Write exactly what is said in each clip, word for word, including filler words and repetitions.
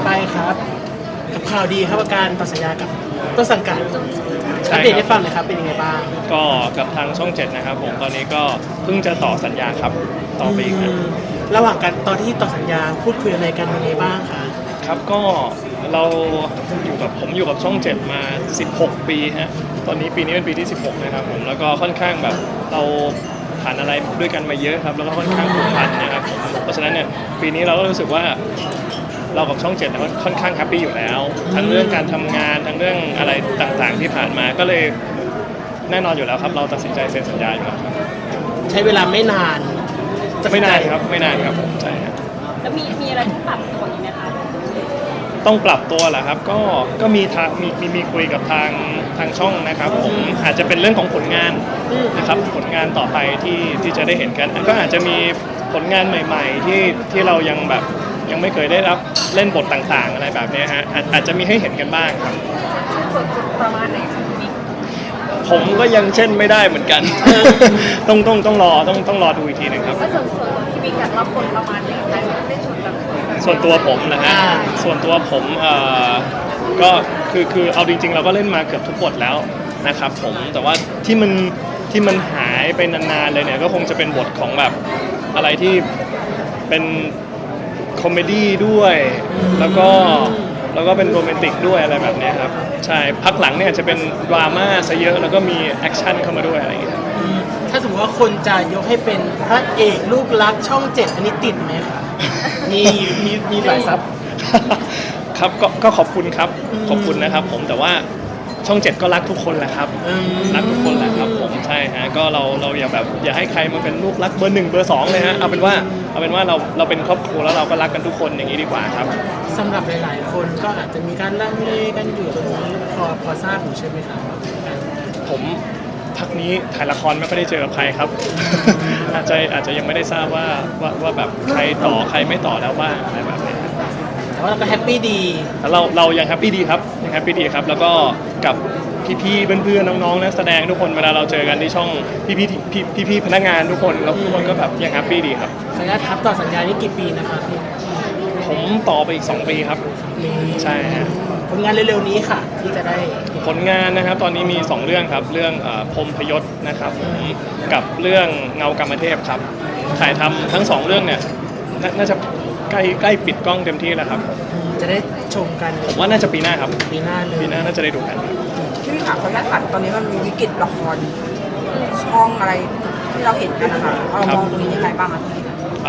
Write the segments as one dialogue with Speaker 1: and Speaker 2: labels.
Speaker 1: ไปครับกับข่าวดีครับการต่อสัญญากับต้นสังกัดอัปเดตให้ฟังหน่อยครับเป็นยังไงบ้าง
Speaker 2: ก็กับทางช่องเจ็ดนะครับผมตอนนี้ก็เพิ่งจะต่อสัญญาครับต่อไปอีกนะ
Speaker 1: ระหว่างการตอนที่ต่อสัญญาพูดคุยอะไรกันยังไงบ้างคะ
Speaker 2: ครับก็เราอยู่กับผมอยู่กับช่องเจ็ดมาสิบหกปีฮะตอนนี้ปีนี้เป็นปีที่สิบหกนะครับผมแล้วก็ค่อนข้างแบบเราผ่านอะไรด้วยกันมาเยอะครับแล้วก็ค่อนข้างผูกพันนะครับเพราะฉะนั้นเนี่ยปีนี้เราก็รู้สึกว่าเรากับช่องเจ็ดค่อนข้างแฮปปี้อยู่แล้วทั้งเรื่องการทำงานทั้งเรื่องอะไรต่างๆที่ผ่านมาก็เลยแน่นอนอยู่แล้วครับเราตัดสินใจเซ็นสัญญาอยู่แล้วครับ
Speaker 1: ใช้เวลาไม่นาน
Speaker 2: ไม่นานครับไม่นานครับผมใช่ครับ
Speaker 3: แล้วมีมีอะไรที่ปรับตัวอีกไหมคะ
Speaker 2: ต้องปรับตัวแหละครับก็ก็มีทางมีมีมีคุยกับทางทางช่องนะครับผมอาจจะเป็นเรื่องของผลงานนะครับผลงานต่อไปที่ที่จะได้เห็นกันก็อาจจะมีผลงานใหม่ๆที่ที่เรายังแบบยังไม่เคยได้รับเล่นบทต่างๆอะไรแบบนี้ฮะอาจอาจจะมีให้เห็นกันบ้างครับ
Speaker 3: ส่วนประมาณไหนคะพี่บิ๊ก
Speaker 2: ผมก็ยังเช่นไม่ได้เหมือนกันต้องต้องต้องรอต้องต้องรอดูอีกทีนึงครับ
Speaker 3: ก็ส่วนส่วนพี่บิ๊กอยากรับบทประมาณไหนคะได้ชนแบบ
Speaker 2: ส่วนตัวผมนะฮะส่วนตัวผมเอ่อก็คือคือเอาจริงๆเราก็เล่นมาเกือบทุกบทแล้วนะครับผมแต่ว่าที่มันที่มันหายไปนานๆเลยเนี่ยก็คงจะเป็นบทของแบบอะไรที่เป็นคอมเมดี้ด้วยแล้วก็แล้วก็เป็นโรแมนติกด้วยอะไรแบบนี้ครับใช่พักหลังเนี่ยจะเป็นดราม่าซะเยอะแล้วก็มีแอคชั่นเข้ามาด้วยอะไรอย่างเงี้ย
Speaker 1: ถ้าสมมติว่าคนจะยกให้เป็นพระเอกลูกรักช่องเจ็ดอันนี้ติดไหมคะมีมีมีหลายซับ
Speaker 2: ครับก็ก็ขอบคุณครับขอบคุณนะครับผมแต่ว่าช่องเจ็ดก็รักทุกคนแหละครับรักทุกคนแหละครับผมใช่ฮะก็เราเราอย่าแบบอย่าให้ใครมาเป็นลูกรักเบอร์หนึ่งเบอร์สองเลยฮะเอาเป็นว่าเอาเป็นว่าเราเราเป็นครอบครัวแล้วเราก็รักกันทุกคนอย่างนี้ดีกว่าครับ
Speaker 1: สำหรับหลายๆคนก็อาจจะมีการลังเลกันอยู่ตรงนี้พอพอทราบอยู่ใช่ไหมครับ
Speaker 2: ผมพักนี้ถ่ายละครไม่ค่อยได้เจอกับใครครับอาจจะอาจจะยังไม่ได้ทราบว่าว่าว่าแบบใครต่อใครไม่ต่อแล้วบ้างอะไรแบบนี้
Speaker 1: แต่ว่าเราก็แฮปปี้ดี
Speaker 2: เราเรายังแฮปปี้ดีครับยังแฮปปี้ดีครับแล้วก็กับพี่ๆเพื่อนๆน้องๆนักแสดงทุกคนเวลาเราเจอกันที่ช่องพี่ๆพี่ๆพนักงานทุกคนเราทุกคนก็แบบยังแฮปปี้ดีครับ
Speaker 1: สัญญาทับต่อสัญญานี่กี่ปีนะครับพี่
Speaker 2: ผมต่อไปอีกสองปีครับใช่ฮะ
Speaker 1: ผลงานเร็วๆนี้ค่ะที่จะได้
Speaker 2: ผลงานนะครับตอนนี้มีสองเรื่องครับเรื่องพรหมพยศนะครับกับเรื่องเงากรรมเทพครับถ่ายทำทั้งสองเรื่องเนี่ยน่าจะใกล้ใกล้ปิดกล้องเต็มที่แล้วครับ
Speaker 1: จะได้ชมกัน
Speaker 2: ผมว่าน่าจะปีหน้าครับ
Speaker 1: ปีหน้าเลย
Speaker 2: ปีหน้าน่าจะได้ดูกัน
Speaker 4: ที่พี่ถามเขาแค่ขัดตอนนี้มันมีวิกฤตละครช่องอะไรที่เราเห็นกันนะคะเรามองตรงนี้ยังไงบ้างคะพี่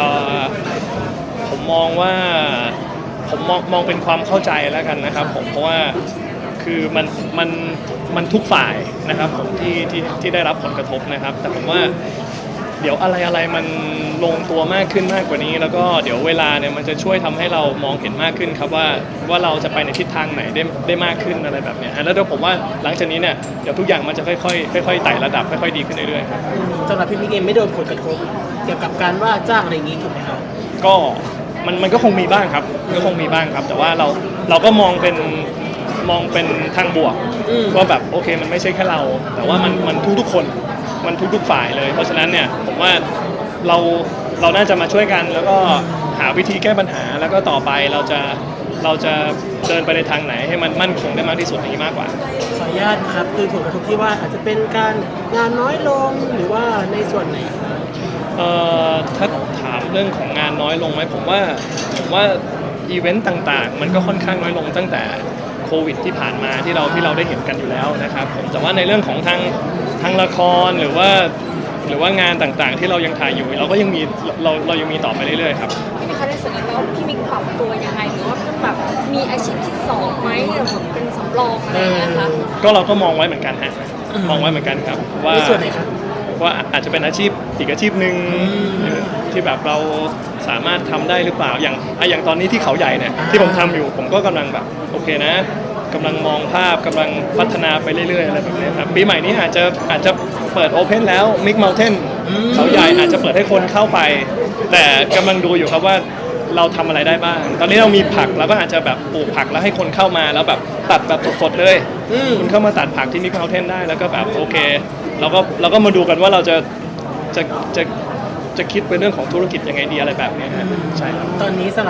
Speaker 2: ผมมองว่าผมมองมองเป็นความเข้าใจแล้วกันนะครับผมเพราะว่าคือมันมันมันทุกฝ่ายนะครับผมที่ที่ที่ได้รับผลกระทบนะครับแต่ผมว่าเดี๋ยวอะไรอะไรมันลงตัวมากขึ้นมากกว่านี้แล้วก็เดี๋ยวเวลาเนี่ยมันจะช่วยทำให้เรามองเห็นมากขึ้นครับว่าว่าเราจะไปในทิศทางไหนได้ได้มากขึ้นอะไรแบบนี้แล้วเดี๋ยวผมว่าหลังจากนี้เนี่ยเดี๋ยวทุกอย่างมันจะค่อยๆค่อยๆไต่ระดับค่อยๆดีขึ้นเรื่อยๆครับ
Speaker 1: สำหรับพี่มิกเองไม่โดนผลกระทบเกี่ยวกับการว่าจ้างอะไรอย่างนี้ถูกไหมครับ
Speaker 2: ก็มันมันก็คงมีบ้างครับก็คงมีบ้างครับแต่ว่าเราเราก็มองเป็นมองเป็นทางบวกว่าแบบโอเคมันไม่ใช่แค่เราแต่ว่ามันมันทุกๆคนมันทุกๆฝ่ายเลยเพราะฉะนั้นเนี่ยผมว่าเราเราน่าจะมาช่วยกันแล้วก็หาวิธีแก้ปัญหาแล้วก็ต่อไปเราจะเราจะเดินไปในทางไหนให้มันมั่นคงได้มากที่สุดนี้มากกว่า
Speaker 1: ขออนุญาตครับคือผลกระทบที่ว่าอาจจะเป็นการงานน้อยลงหรือว่าในส่วนไหนครับ
Speaker 2: เอ่อถ้าถามเรื่องของงานน้อยลงไหมผมว่าผมว่าอีเวนต์ต่างๆมันก็ค่อนข้างน้อยลงตั้งแต่โควิดที่ผ่านมาที่เราที่เราได้เห็นกันอยู่แล้วนะครับผมแต่ว่าในเรื่องของทางทางละครหรือว่าหรือว่างานต่างๆที่เรายังถ่ายอยู่เราก็ยังมีเราเรายังมีต่อไปเรื่อยๆครับ
Speaker 3: พี่มิกคะในส่วนนี้แล้วพี่มิกปรับตัวยังไงหรือว่าแบบมีอาชีพที่สองไหมหรือแบบเป็นสำรองอะไรอย่างเงี้ยคะ
Speaker 2: ก็เราก็มองไว้เหมือนกันฮะมองไว้เหมือนกันครับว่า
Speaker 1: ในส่วนไหนครับ
Speaker 2: ว่าอาจจะเป็นอาชีพอีกอาชีพหนึ่งที่แบบเราสามารถทำได้หรือเปล่าอย่างอย่างตอนนี้ที่เขาใหญ่เนี่ยที่ผมทำอยู่ผมก็กำลังแบบโอเคนะกำลังมองภาพกำลังพัฒนาไปเรื่อยๆอะไรแบบนี้ครับปีใหม่นี้อาจจะอาจจะเปิดโอเพนแล้วมิกเมลเทนเขาใหญ่อาจจะเปิดให้คนเข้าไปแต่กำลังดูอยู่ครับว่าเราทำอะไรได้บ้างตอนนี้เรามีผักเราก็อาจจะแบบปลูกผักแล้วให้คนเข้ามาแล้วแบบตัดแบบสดๆเลยคุณเข้ามาตัดผักที่มิกเมลเทนได้แล้วก็แบบโอเคเราก็เราก็มาดูกันว่าเราจะจะจะจะคิดเป็นเรื่องของธุรกิจยังไงดีอะไรแบบนี้ฮะใช่ครับ
Speaker 1: ตอนนี้สำหรับ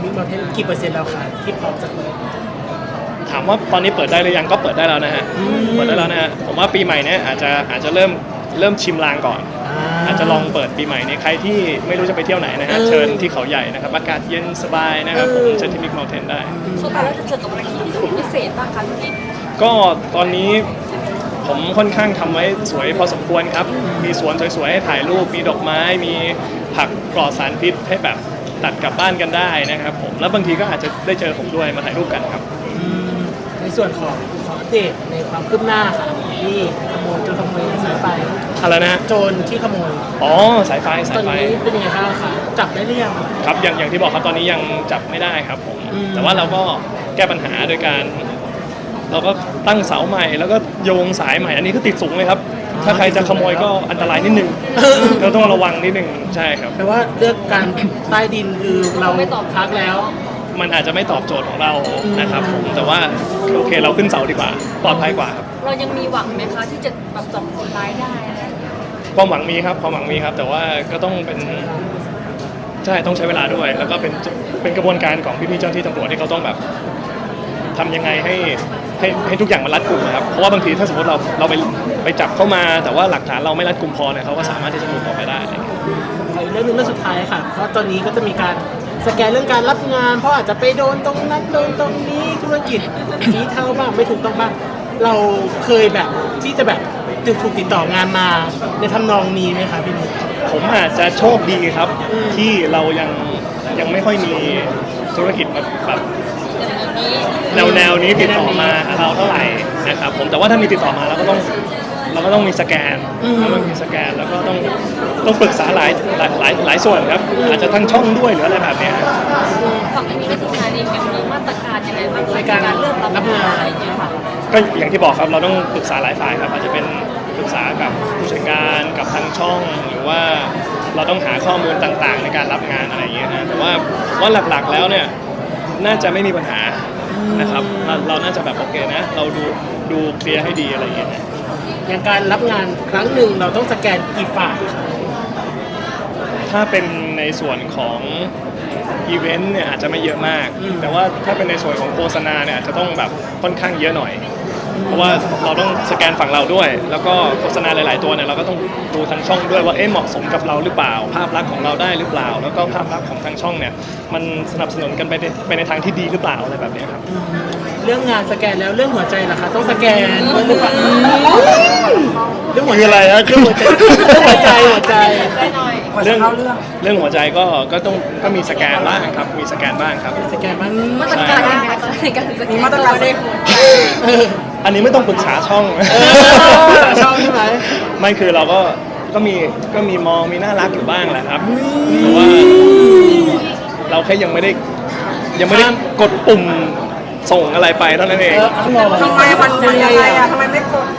Speaker 1: มิกมาเทนกี่เปอร์เซ็นต์แล้วคะที่พร้อมจะเปิด
Speaker 2: ถามว่าตอนนี้เปิดได้หรือยังก็เปิดได้แล้วนะฮะ
Speaker 1: อืม
Speaker 2: เปิดได้แล้วนะฮะผมว่าปีใหม่เนี้ยอาจจะอาจจะเริ่มเริ่มชิมลางก่อน อาจจะลองเปิดปีใหม่นี้ใครที่ไม่รู้จะไปเที่ยวไหนนะฮะ
Speaker 1: เออ
Speaker 2: เชิญที่เขาใหญ่นะครับอากาศเย็นสบายนะครับผม
Speaker 1: เออ
Speaker 2: เชิญที่มิกเมลเทนได้
Speaker 3: เข้าไปแล้วจะเจอกับอะไรที่พิเศษบ้างคะพี่
Speaker 2: ก็ตอนนี้ผมค่อนข้างทำไว้สวยพอสมควรครับ มีสวนสวยๆให้ถ่ายรูป มีดอกไม้ มีผักปลอดสารพิษให้แบบตัดกลับบ้านกันได้นะครับผม แล้วบางทีก็อาจจะได้เจอผมด้วยมาถ่ายรูปกันครับ
Speaker 1: อืมในส่วนของของอัปเดตในความคืบหน้าค่ะที่ขโมยโจรขโมยสายไฟ
Speaker 2: อะไรนะฮะ
Speaker 1: โจรที่ขโมย
Speaker 2: อ๋อสายไฟ
Speaker 1: ต
Speaker 2: สา
Speaker 1: อย น
Speaker 2: ไฟ
Speaker 1: นี้เป็นยังไงบ้างคะจับได้หรือยัง
Speaker 2: ครับอย่างอย่างที่บอกครับตอนนี้ยังจับไม่ได้ครับผม
Speaker 1: อืม
Speaker 2: แต่ว่าเราก็แก้ปัญหาโดยการ เราก็ตั้งเสาใหม่แล้วก็โยงสายใหม่ อันนี้ก็ติดสูงเลยครับ ถ้าใครจะขโมยก็อันตรายนิดนึงเราต้องระวังนิดนึงใช่ครับ
Speaker 1: แปลว่าเลือกการใต้ดินคือเรา
Speaker 3: ไม่ตอบ
Speaker 1: พักแล้ว
Speaker 2: มันอาจจะไม่ตอบโจทย์ของเรา
Speaker 1: อืม
Speaker 2: นะครับผมแต่ว่าโอเคเราขึ้นเสาดีกว่าปลอดภัยกว่าครับ
Speaker 3: เรายังมีหวังไหมคะที่จะแบบจับคนร้ายได้อะไรอย่างเงี้ย
Speaker 2: ความหวังมีครับความหวังมีครับ แต่ว่าก็ต้องเป็นใช่ต้องใช้เวลาด้วย แล้วก็เป็นเป็นกระบวนการของพี่ๆเจ้าหน้าที่ตำรวจที่เขาต้องแบบทำยังไงให้ให้ให้ทุกอย่างมันรัดกุมนะครับเพราะว่าบางทีถ้าสมมติเราเราไปไปจับเข้ามา แต่ว่าหลักฐานเราไม่รัดกุมพอเนี่ยเขาก็สามารถที่จะหลุดออกไปได้อะไรเงี้ย
Speaker 1: ขออีกเรื่องหนึงเรื่องสุดท้ายค่ะ เพราะตอนนี้ก็จะมีการสแกนเรื่องการรับงาน เพราะอาจจะไปโดนตรงนั้นโดนตรงนี้ธุรกิจสีเทาบ้างไม่ถูกต้องบ้าง เราเคยแบบที่จะแบบถูกติดต่องานมาในทำนองนี้ไหมคะพี่นุ๊ก
Speaker 2: ผมอาจจะโชคดีครับ
Speaker 1: อืม
Speaker 2: ที่เรายังยังไม่ค่อยมีธุรกิจแบบแบบ
Speaker 3: อย่างนี้
Speaker 2: แนวแนวนี้ติดต่อมาหาเราเท่าไหร่นะครับผมแต่ว่าถ้ามีติดต่อมาเราก็ต้องเราก็ต้องมีสแกนเราต้องมีสแกนแล้วก็ต้องต้องปรึกษาหลายหลายหลายหลายส่วนครับอาจจะทั้งช่องด้วยหรืออะไรแบบเนี้ย
Speaker 3: ฝั่งนี้ก็ทีมงานเองยังมีมาตรการยังไงบ้างคะในการเลือกรับงานอะไรอย่างเงี้ยค่ะ
Speaker 2: ก็อย่างที่บอกครับเราต้องปรึกษาหลายฝ่ายครับอาจจะเป็นปรึกษากับผู้จัดการกับทางช่องหรือว่าเราต้องหาข้อมูลต่างๆ ในการรับงานอะไรอย่างเงี้ยนะแต่ว่าว่าหลักๆแล้วเนี่ยน่าจะไม่มีปัญหานะครับเราเราน่าจะแบบโอเคนะ เราดูดูเคลียร์ให้ดีอะไรอย่างเงี้ยนะ
Speaker 1: อย่างการรับงานครั้งหนึ่งเราต้องสแกนกี่ฝ่ายคะ
Speaker 2: ถ้าเป็นในส่วนของอีเวนต์เนี่ยอาจจะไม่เยอะมาก แต่ว่าถ้าเป็นในส่วนของโฆษณาเนี่ยอาจจะต้องแบบค่อนข้างเยอะหน่อย เพราะว่าเราต้องสแกนฝั่งเราด้วย แล้วก็โฆษณาหลาย ๆ ตัวเนี่ยเราก็ต้องดูทางช่องด้วยว่าเอ๊ะเหมาะสมกับเราหรือเปล่า ภาพลักษณ์ของเราได้หรือเปล่า แล้วก็ภาพลักษณ์ของทางช่องเนี่ยมันสนับสนุนกันไปในไปในทางที่ดีหรือเปล่าอะไรแบบเนี้ยครับ
Speaker 1: เรื่องงานสแกนแล้วเรื่องหัวใจล่ะคะต้องสแกนด้วยหรือเปล่าเรื่องหัวใจ
Speaker 2: คืออะไรฮะ
Speaker 1: เรื่องหัวใจเรื่องหัวใจหัวใจ
Speaker 3: ได้หน่อย
Speaker 4: ก่อนจะเข้าเรื่อง
Speaker 2: เรื่องหัวใจก็ก็ต้องก็มีสแกนบ้างครับมีสแกนบ้างครับ
Speaker 1: สแกนบ้าง
Speaker 3: มาตรการยังไงคะในการสแกน
Speaker 4: มีมาตรการ
Speaker 3: ได้หัวใจ
Speaker 1: เออ
Speaker 2: อันนี้ไม่ต้องปรึกษาช่อง
Speaker 1: เออชอบใช่ไหม
Speaker 2: ไม่คือเราก็ก็มีก็มีมองมีน่ารักอยู่บ้างแหละครับแต่ว่าเราแค่ยังไม่ได้ยังไม่ได้กดปุ่มส่งอะไรไปเท่านั้นเอง
Speaker 1: เออเอาหรอ
Speaker 4: ทำไมมันมันยังไงอะทำไมไม่กด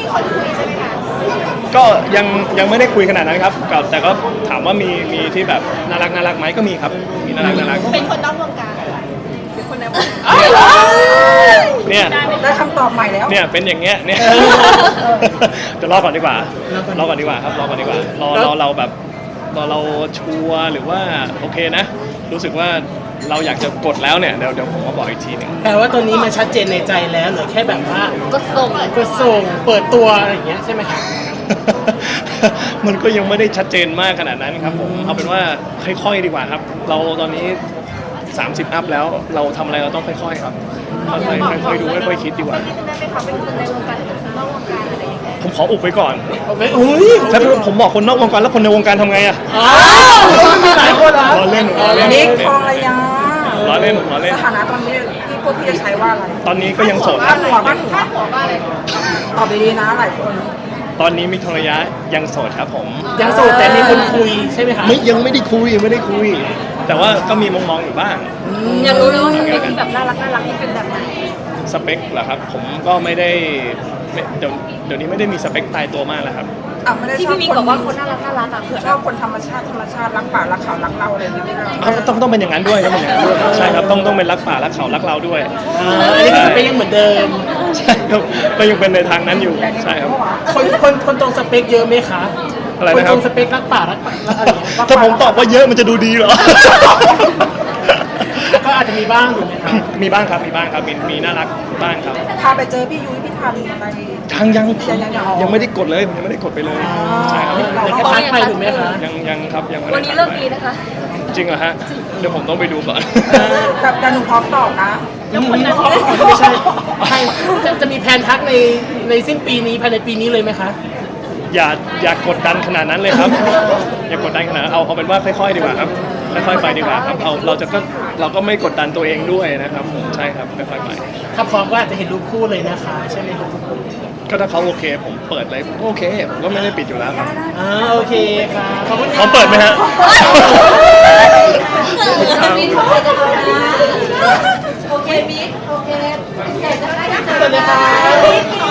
Speaker 2: ก็ยังยังไม่ได้คุยขนาดนั้นครับก็แต่ก็ถามว่ามีมีที่แบบน่ารักน่ารักไหมก็มีครับมีน่ารักน่ารัก
Speaker 3: เป็นคนนอกวงการเป็นคนในวงการ
Speaker 2: เนี่ย
Speaker 4: ได้คำตอบใหม่แล้ว
Speaker 2: เนี่ยเป็นอย่างเงี้ยเนี่ยเดี๋ยวรอก่อนดีกว่ารอก่อนดีกว่าครับรอก่อนดีกว่ารอรอเราแบบรอเราชัวร์หรือว่าโอเคนะ รู้สึกว่าเราอยากจะกดแล้วเนี่ยเดี๋ยวเดี๋ยวผมมาบอกอีกทีหนึง
Speaker 1: แปลว่าตัวนี้มันชัดเจนในใจแล้วเหลือแค่แบบว่า
Speaker 3: ก็ส่ง
Speaker 1: ก็ส่งเปิดตัวอะไรอย่างเงี้ยใช่ไหมคะ
Speaker 2: มันก็ยังไม่ได้ชัดเจนมากขนาดนั้นครับผมเอาเป็นว่าค่อยๆดีกว่าครับ เราตอนนี้สามสิบอัพแล้วเราทำอะไรเราต้องค่อยๆครับค่อยๆค่อยๆดูค่อยๆคิดดีกว่า
Speaker 3: ได้ไหมคะเป็นคนในวงการหรือคนนอกวงการอะไรอย่างเงี้ย
Speaker 2: ผมขออุบไว้ก่อน
Speaker 1: เอาไปอุ้ย
Speaker 2: ถ้าผมบอกคนนอกวงการแล้วคนในวงการทำไงอะ
Speaker 1: อ้าวมีหลายคนเหรอ
Speaker 2: ล้อเล่นล้อเล่น
Speaker 4: นิกทองระยา
Speaker 2: ล้อเล่นล้อเล่น
Speaker 4: สถานะตอนนี้ที่พวกพี่จะใช้ว่าอะไร
Speaker 2: ตอนนี้ก็ยังโสดค
Speaker 4: บ้า
Speaker 2: รั
Speaker 4: น
Speaker 2: บ
Speaker 4: หัวบ้านหัวตอบดีๆนะหลายคน
Speaker 2: ตอนนี้มิกทองระยะยังโสดครับผม
Speaker 1: ยังโสดแต่มีคนคุยใช่ไหมคะ
Speaker 2: ไม่ยังไม่ได้คุยยังไม่ได้คุย แต่ว่าก็มีมองๆอยู่บ้าง
Speaker 3: อยากรู้เลยว่าสเปคที่แบบน่ารักน่ารักนี่เป็นแบบไหน
Speaker 2: สเปคเหรอครับ ผมก็ไม่ได้ไม่เดี๋ยวเดี๋ยวนี้ไม่ได้มีสเปคตายตัวมากแล้วครับ
Speaker 4: อ่ะไม่ได้
Speaker 3: ที่
Speaker 4: ชอบ
Speaker 3: พี่มิก
Speaker 4: คน
Speaker 3: บอกว่าคนน่ารักน่ารักอ่ะเผื่อ
Speaker 4: ชอบคนธรรมชาติธรรมชาติรักป่ารักเขารักเราอะไรอย่างเงี้ย
Speaker 2: อ้าวต้องต้องเป็นอย่างนั้นด้วยต้องเป็นอย่างนั้นด้วยใช่ครับต้องต้องเป็นรักป่ารักเขารักเราด้วย
Speaker 1: อ่าอันนี้ก็สเปคยังเหมือนเดิม
Speaker 2: ใช่ครับก็ยังเป็นในทางนั้นอยู่ใช่ครับ
Speaker 1: คนคนคนตรงสเปคเยอะไหมคะ
Speaker 2: อะไร
Speaker 1: คน
Speaker 2: นะค
Speaker 1: ต
Speaker 2: รั
Speaker 1: ร
Speaker 2: บ
Speaker 1: งสเปครักป่ารักป่ารักอะไรอย่างเงี้ย
Speaker 2: ถ้าผมตอบว่าเยอะมันจะดูดีเหรอ
Speaker 1: อาจจะมีบ้างถูกไหมครับ
Speaker 2: มีบ้างครับมีบ้างครับมีมีน่ารักบ้างครับ
Speaker 4: พาไปเจอพี่ยุ้ยพี่ทันอะไร
Speaker 2: ยังยัง
Speaker 4: ยังยังยัง
Speaker 2: ยังไม่ได้กดเลยยังไม่ได้กดไปเลยใช่ครับ
Speaker 1: เดี๋ยวแค่ทักไปถูกไหมคะ
Speaker 2: ยังยังครับยังไม่ได้
Speaker 3: วันนี้เลิกดีนะคะ
Speaker 2: จริงเหรอฮะเดี๋ยวผมต้องไปดูก่อน
Speaker 4: แต่แต่หนูพร้อมตอบนะ
Speaker 1: ไม่ใช่ใช่จะจะมีแผนทักในในสิ้นปีนี้ภายในปีนี้เลยไหมคะ
Speaker 2: อย่าอย่ากดดันขนาดนั้นเลยครับ อย่ากดดันขนาดนั้นเอาเอาเป็นว่าค่อยๆดีกว่าครับค่อยๆไปดีกว่าครับเอาเราจะก็เราก็ไม่กดดันตัวเองด้วยนะครับผมใช่ครับค่อยๆไป
Speaker 1: ถ้าพร้อมก็อาจจะเห็นรูปคู่เลยนะคะใช่ไหมครับ
Speaker 2: ก็ถ้าเขาโอเคผมเปิดเลยโอเคผมก็ไม่ได้ปิดอยู่แล้วครับ
Speaker 1: อ่าโอเคค่ะขอบคุณ
Speaker 2: พร้อมเปิดไหมฮะ
Speaker 3: โอเคมิกโอเค
Speaker 1: สวัสดีค่ะ